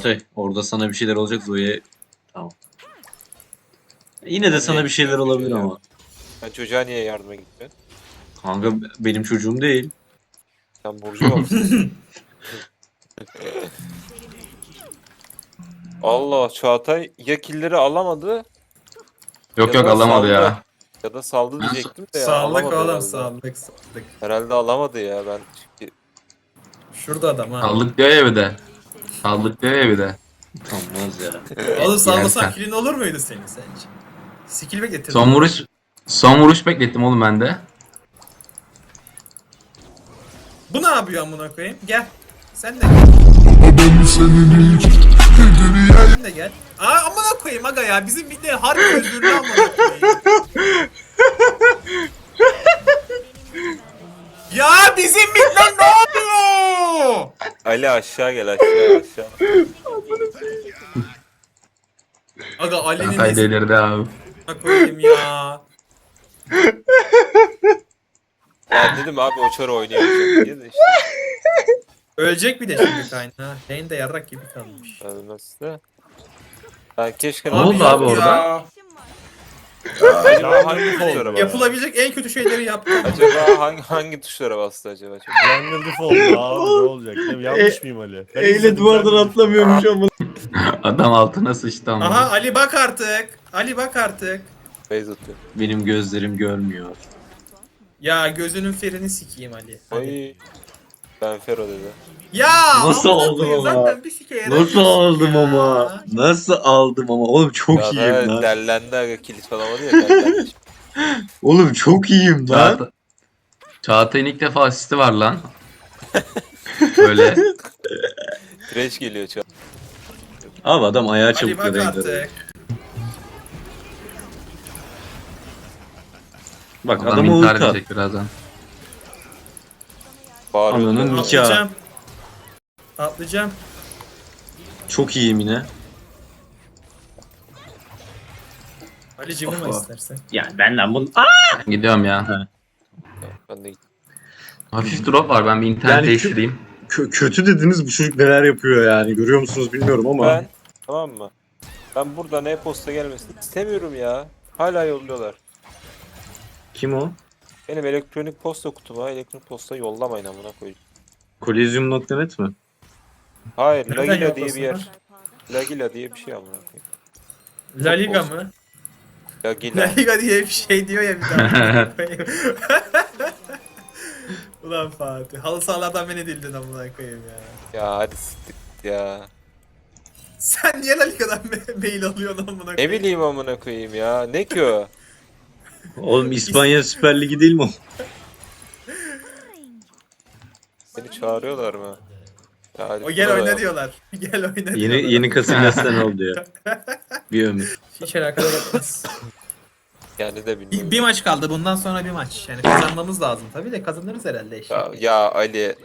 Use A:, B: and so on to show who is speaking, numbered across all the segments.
A: Çağatay orada sana bir şeyler olacak Zoe'ye. Tamam. Yine de sana bir şeyler olabilir ama.
B: Ben çocuğa niye yardıma gitmiyorsun?
A: Kanka benim çocuğum değil.
B: Sen Burjuva mısın? Allah, Çağatay ya killleri alamadı
C: Yok
B: ya
C: yok
B: da
C: alamadı
B: saldı.
C: ya.
B: Ya da saldı diyecektim de ya
D: Sağlık
B: alamadı
D: oğlum,
B: herhalde.
D: sağlık.
B: Herhalde alamadı ya ben çünkü
D: Şurada adam ha.
C: Saldık diyor ya bir de. Saldık diyor ya bir de.
A: Olmaz ya.
D: Oğlum sallasan
C: Yersen.
D: kilin olur muydu senin sence? Skill mi getirdin?
C: Son vuruş beklettim oğlum ben de.
D: Bu ne yapıyor amına koyayım? Gel. Sen de gel. Sen de gel. Aa amına koyayım aga ya. Bizim bir de harbi özürlü amına koyayım. Ya bizim midler ne yapıyor?
B: Ali aşağı gel, aşağı.
D: Aga Ali'nin
C: Çağatay
D: nesine
C: delirdi abi.
D: koyayım ya.
B: Ben dedim abi o çarı oynayamayacak diye de işte.
D: Ölecek bir de şimdi kaynağı. Lane de yarrak gibi kalmış.
B: Ölmez de. Ben keşke...
C: Ne oldu
D: yok
C: abi
D: ya.
C: orada?
B: Acaba hangi tuşlara bastı?
D: Yapılabilecek en kötü şeyleri yaptım.
B: Acaba hangi tuşlara bastı acaba? Çok...
E: Jungle default abi ne olacak? Değil mi? Yanlış mıyım Ali? Ben
A: Eyle
E: izledim,
A: duvardan
E: jungle
A: atlamıyormuş ama.
C: Adam altına sıçtı ama.
D: Aha Ali bak artık. Ali bak artık.
B: Base atıyor.
A: Benim gözlerim görmüyor.
D: Ya gözünün ferini sikeyim Ali. Hadi.
B: Ay. Ben Fero dedi.
D: Ya
A: Nasıl
D: amına
A: oldum
D: koyayım,
A: ama?
D: zaten bir sike yaramıyorsun
A: Nasıl aldım
D: ya.
A: ama? Nasıl aldım ama? Oğlum çok
B: Ya
A: iyiyim
B: da
A: lan.
B: dellendi aga, kilit alamadı ya, dellenmiş.
A: Oğlum çok iyiyim lan.
C: Çağatay'ın ilk defa asisti var lan. Böyle.
B: Trash geliyor çağ.
A: Abi adam ayağı
D: Ali
A: çabuk
D: bak
A: renk
D: artık.
A: Bak
C: Adam
A: adama
C: intihar
A: ulti at.
C: edecek birazdan.
B: Bağırıyor.
A: Ananın nikahı.
D: Atlayacağım. Atlayacağım.
A: Çok iyiyim yine.
D: Ali cıvıma
A: Oha.
D: istersen.
A: Ya benden bunu...
C: Ben gidiyorum ya.
B: Ben de gittim.
C: Hafif drop var, ben bir internet
A: Yani
C: değiştireyim.
A: kötü dediniz, bu çocuk neler yapıyor yani. Görüyor musunuz bilmiyorum ama.
B: Ben, tamam mı? Ben buradan e-posta gelmesini istemiyorum ya. Hala yolluyorlar.
A: Kim o?
B: Benim elektronik posta kutuma elektronik posta yollamayın amına koyayım.
A: Kolezyum.net mi?
B: Hayır,
D: Nereden
B: Lagila diye bir yer.
D: yollasınlar?
B: Lagila diye bir şey amına koyayım.
D: La Liga mı? La
B: Lagila.
D: Liga diye bir şey diyor ya bir daha. Ulan Fatih. Halı sahalardan beni dildin amına koyayım ya.
B: Ya hadi siktir ya.
D: Sen niye La Liga'dan mail alıyorsun amına
B: Ne
D: koyayım?
B: bileyim amına koyayım ya. Ne ki o?
A: Oğlum İspanya Süper Ligi değil mi o?
B: Seni çağırıyorlar mı? Ya hadi
D: O gel
B: buna
D: oyna
B: da-
D: diyorlar. Gel oyna diyorlar.
A: Yeni Casillas'tan oldu ya. Bir ömür.
D: Hiç alakadar etmez.
B: Yani de bilmiyorum.
D: Bir maç kaldı. Bundan sonra bir maç. Yani kazanmamız lazım. Tabii de kazanırız herhalde işte.
B: Ya Ali.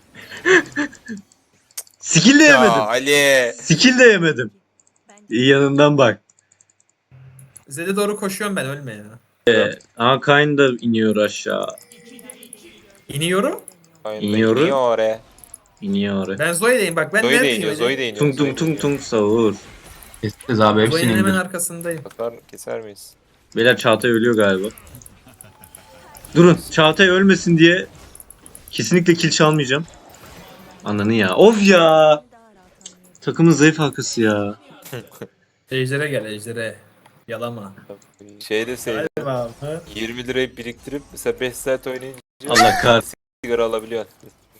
A: Skill de
B: Ya
A: yemedim.
B: Ali.
A: Skill de yemedim. İyi yanından bak.
D: Zed'e doğru koşuyorum ben, ölme ya.
A: Aa Kayn da iniyor aşağı.
D: İniyorum.
B: Aynen,
A: İniyorum.
B: iniyor oraya.
A: İniyor oraya.
D: Ben Zoe'deyim bak. Ben
B: Zoe de
D: neredeyim?
B: iniyor,
D: öyle?
B: Zoe de iniyor.
A: Tung
B: Zoe
A: tung
B: de
A: tung
B: iniyor.
A: tung savur.
C: Keseceğiz abi, hepsini
D: Zoe'nin hemen
C: indir.
D: arkasındayım.
B: Keser miyiz?
A: Beyler Çağatay ölüyor galiba. Durun Çağatay ölmesin diye kesinlikle kill çalmayacağım. Ananı ya. Of ya. Takımın zayıf halkası ya.
D: Ejder'e gel, Ejder'e. Yalama.
B: Şey deseydi
D: Galiba.
B: 20 lirayı biriktirip mesela 5 saat oynayınca
A: Allah kahretsin.
B: sigara alabiliyorsun.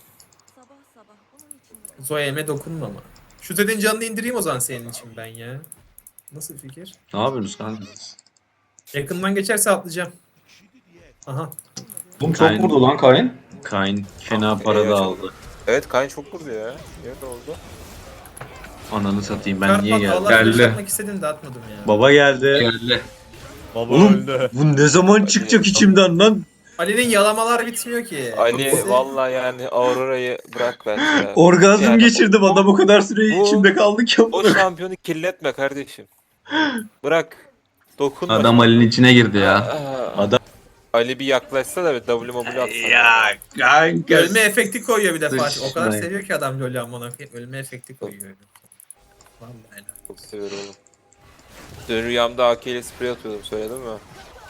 D: Zoe'me dokunma ama. Şu Zed'in canını indireyim o zaman senin için ben ya. Nasıl fikir?
A: Ne yapıyorsunuz kanka?
D: Yakından geçerse atlayacağım. Aha.
C: Oğlum
A: Kayn-
C: vurdu lan Kayn.
A: Kayn fena para da
B: çok-
A: aldı.
B: Evet, Kayn çok vurdu ya. Nerede oldu?
A: Ananı satayım ben
D: Kart
A: niye
D: bak,
A: geldim?
D: Allah
C: Geldi.
D: flash atmak istedim de atmadım ya.
A: Baba geldi.
C: Geldi.
E: Baba
A: Oğlum
E: öldü.
A: bu ne zaman çıkacak içimden lan?
D: Ali'nin yalamalar bitmiyor ki.
B: Ali vallahi yani Aurora'yı bırak bence ya.
A: Orgazm
B: Yani
A: geçirdim adam o kadar süre
B: bu-
A: içimde kaldı ki.
B: O şampiyonu kirletme kardeşim. Bırak. Dokunma.
C: Adam Ali'nin içine girdi ya.
A: Adam-
B: Ali bir yaklaşsa da bir W atsa.
A: Ya kanka.
D: Ölme efekti koyuyor bir de Fatih. O kadar
A: Sıçrayın.
D: seviyor ki adam LoL'ü amına koyayım. Ölme efekti koyuyor. Vallahi.
B: Çok seviyorum oğlum. Dün rüyamda AK ile sprey atıyordum, söyledim mi?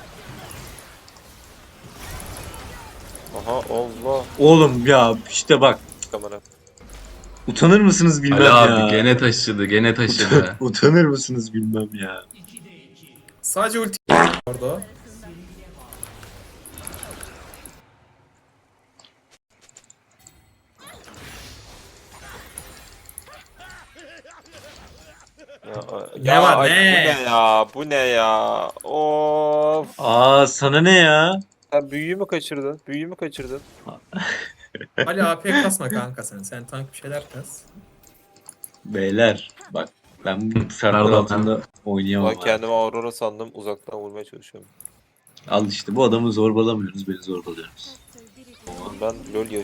B: Aha Allah.
A: Oğlum ya işte bak.
B: Kamera.
A: Utanır mısınız bilmem
C: Ali
A: ya.
C: abi gene taşıdı gene taşıdı.
A: Utanır mısınız bilmem ya.
D: Sadece ulti orada o. Ne var,
B: ay,
D: ne?
B: Bu ne ya? Bu ne ya? Of.
A: Aa sana ne ya?
B: Sen büyüyü mü kaçırdın? Büyüyü mü kaçırdın?
D: Ali AP kasma kanka sen. Sen tank bir şeyler kas.
A: Beyler bak ben bu şartlar
C: Pardon,
A: altında oynayamam.
B: Ben
A: abi.
B: kendime Aurora sandım, uzaktan vurmaya çalışıyorum.
A: Al işte bu adamı zorbalamıyoruz, beni zorbalıyorsunuz.
B: Ben LoL yaş.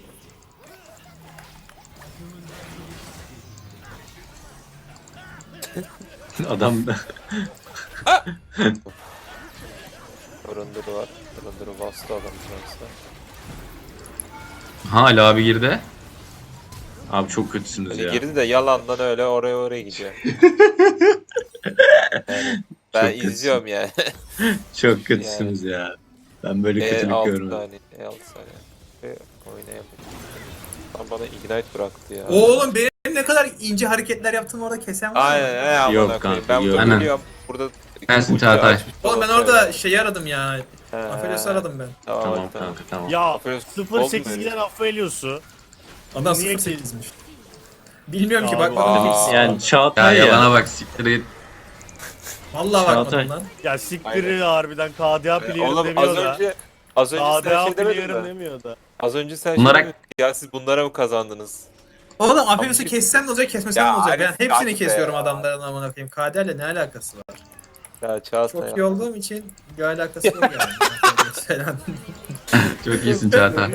A: Adam
B: Arındırı var. Arındırı bastı adam şansa.
C: Ha Ali abi girdi.
A: abi çok kötüsünüz
B: Hani
A: ya.
B: girdi de yalandan öyle oraya gidiyor. Yani ben
A: Çok kötüsün.
B: izliyorum yani.
A: Çok kötüsünüz ya. Ben böyle kötülük
B: E6
A: görmedim.
B: saniye. E6 saniye. Oynayamadım. Tam bana ignite bıraktı ya.
D: Oğlum benim ne kadar ince hareketler yaptığımı orada kesen var mı?
B: Aynen amına
A: Yok
B: koyayım.
A: kanka,
B: Ben
A: yok.
B: burada
C: Aynen.
B: geliyorum. Burada
C: Sensin
B: ulti
C: Çağatay.
B: açmış
D: Oğlum ben
B: falan
D: orada
B: böyle.
D: şeyi aradım ya.
B: He.
D: Aphelios'u aradım ben.
A: Tamam
B: hadi,
A: kanka tamam.
E: Ya
B: Aferin,
E: 0.8
B: oldu
E: giden Aphelios'u.
D: Adam
E: Niye
D: 0.8'miş. Bilmiyorum ki
E: Ya
D: bakmadım
B: Aa.
D: hiç.
A: Yani
C: Ya
A: Çağatay ya.
C: yalana bak siktir git.
D: Vallahi
A: Çağatay.
D: bakmadım lan.
E: Ya siktirir harbiden KDA player'ım
B: Oğlum az
E: demiyor da.
B: önce sen
E: KDA
B: şey demedin
E: player'ım
B: mi?
E: demiyor da.
B: Az önce sen
C: Bunlara-
B: şey demedin. Ya siz bunlara mı kazandınız?
D: Oğlum Aphelios'u kessem ne olacak kesmesem
B: Ya
D: ne olacak? Ben
B: Arif,
D: hepsini
B: Arif
D: kesiyorum
B: ya.
D: adamların amına koyayım. KD'yle ne alakası var?
B: Ya Çağatay
D: Çok
B: ya.
D: iyi olduğum için bir alakası yok yani. Selam.
C: Çok iyisin Çağatay.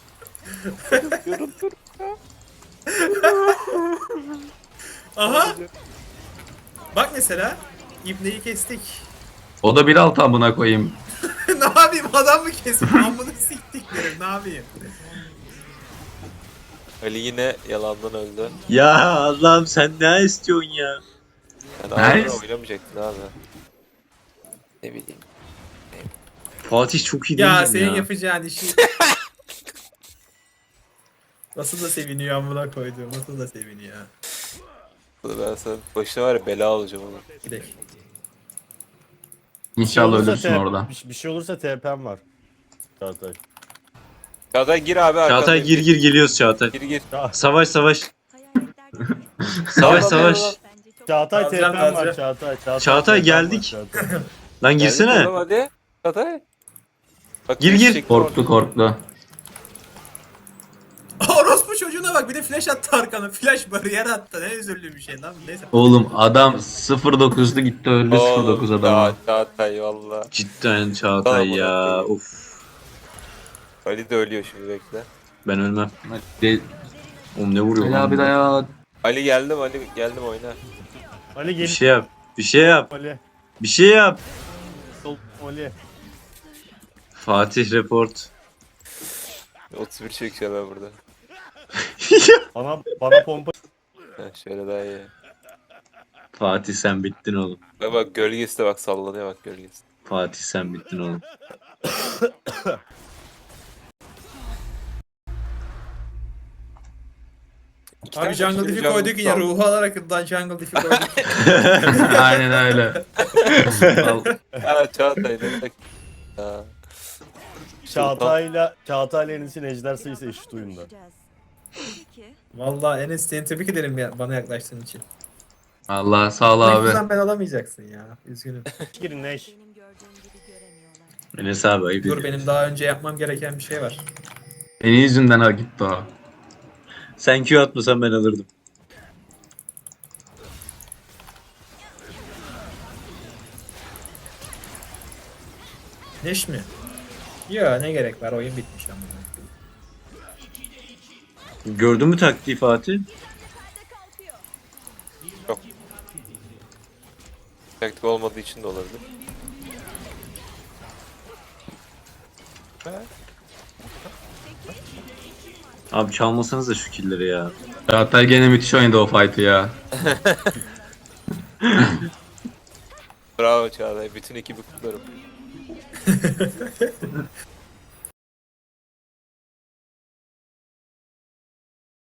D: Aha! Bak mesela İbne'yi kestik.
C: O da 1.6 amına koyayım.
D: Ne yapayım adam mı kesip amını siktiklerim ne yapayım?
B: Ali yine yalandan öldü.
A: Ya Allah'ım sen ne istiyorsun ya?
B: Yani
C: Nice.
B: Aurora oynamayacaktın abi. Ne bileyim.
A: Fatih çok iyi değil
D: Ya
A: miyim
D: senin
A: ya?
D: yapacağın işi. Nasıl da seviniyor amına koyduğum nasıl da seviniyor.
B: Ben sana başına var ya bela alacağım onu.
D: Gidelim.
C: İnşallah
E: olursa
C: ölürsün
E: TP
C: orada.
E: Bir şey olursa TP'm var. Çağatay.
B: Çağatay gir abi arkamdan.
A: Çağatay gir geliyoruz Çağatay.
B: Gir.
A: Savaş savaş.
B: Tamam,
A: Savaş savaş.
B: tamam.
E: Çağatay
D: Alacağım,
E: TP'm var
D: alacağım.
E: Çağatay.
A: Çağatay,
E: TP'm var,
A: geldik.
E: Çağatay.
A: Lan
B: Geldik
A: girsene.
B: oğlum, hadi. Çağatay. Bak,
A: Gir, gir.
B: çekti
C: Korktu korktu.
D: Orospu çocuğuna bak bir de flash attı arkana. Flash bariyer attı. Ne üzüldüğüm bir şey lan. Neyse.
C: Oğlum adam 0.9'lu gitti öldü
B: Oğlum,
C: 0.9 adama.
B: Çağatay valla.
A: Cidden Çağatay
B: Tamam,
A: ya.
B: tamam.
A: Of.
B: Ali de ölüyor şimdi bekle.
A: Ben ölmem.
C: De
A: Oğlum ne vuruyor
C: Ali
A: lan
C: abi
A: bu?
C: dayan.
B: Ali geldim oyna.
E: Ali
A: Bir
E: gel.
A: şey yap. Bir şey yap.
E: Ali.
A: Bir şey yap.
E: Sol Ali.
A: Fatih report.
B: 31 çekeceğim ben burada.
E: Bana pompa.
B: Heh, şöyle daha iyi.
A: Fatih sen bittin oğlum.
B: Bak gölgesi de bak sallanıyor bak gölgesi.
A: Fatih sen bittin oğlum.
B: İki
D: Abi
B: tane
D: jungle
B: aşırı
D: diff'i
B: jungle
D: koyduk yine
B: saldı.
D: ruhu alarak da jungle diff'i koyduk.
C: Aynen öyle. Al.
B: Ha Çağatay demek. Ha.
E: Çağatay'la Enes'in ejder sayısı eşit oyunda.
D: Vallahi Enes seni tebrik ederim ya, bana yaklaştığın için.
C: Allah sağ ol
D: Bu
C: abi.
D: yüzden ben alamayacaksın ya. Üzgünüm.
E: Girin Neş.
A: Enes abi ayıp
D: Dur
A: ediyorsun.
D: benim daha önce yapmam gereken bir şey var.
C: Senin yüzünden ha gitti o.
A: Sen Q atmasan ben alırdım.
D: Neş mi? Ya ne gerek var oyun bitmiş ama.
A: Gördün mü taktiği Fatih?
B: Taktik olmadığı için de olabilir.
A: Abi çalmasanız da şu killleri ya.
C: Çağatay gene müthiş oynadı o fight'ı ya.
B: Bravo Çağatay. Bütün ekibi kutlarım.